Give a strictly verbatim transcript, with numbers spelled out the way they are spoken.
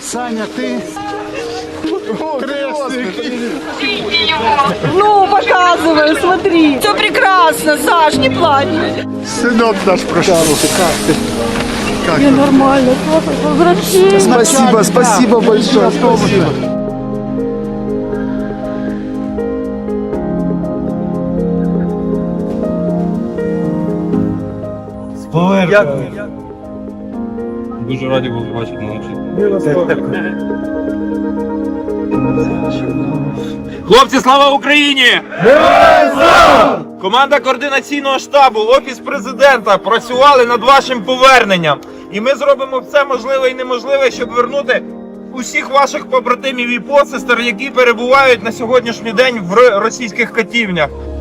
Саня, ты... Ну, показывай, смотри. Все прекрасно, Саш, не плачь. Сынок наш прошел. Как ты? Как Мне нормально, возвращение. Спасибо, спасибо большое. Спасибо. Дякую. Дуже раді були бачити на Хлопці, слава Україні! Команда координаційного штабу, Офіс Президента працювали над вашим поверненням. І ми зробимо все можливе і неможливе, щоб вернути усіх ваших побратимів і посестер, які перебувають на сьогоднішній день в російських катівнях.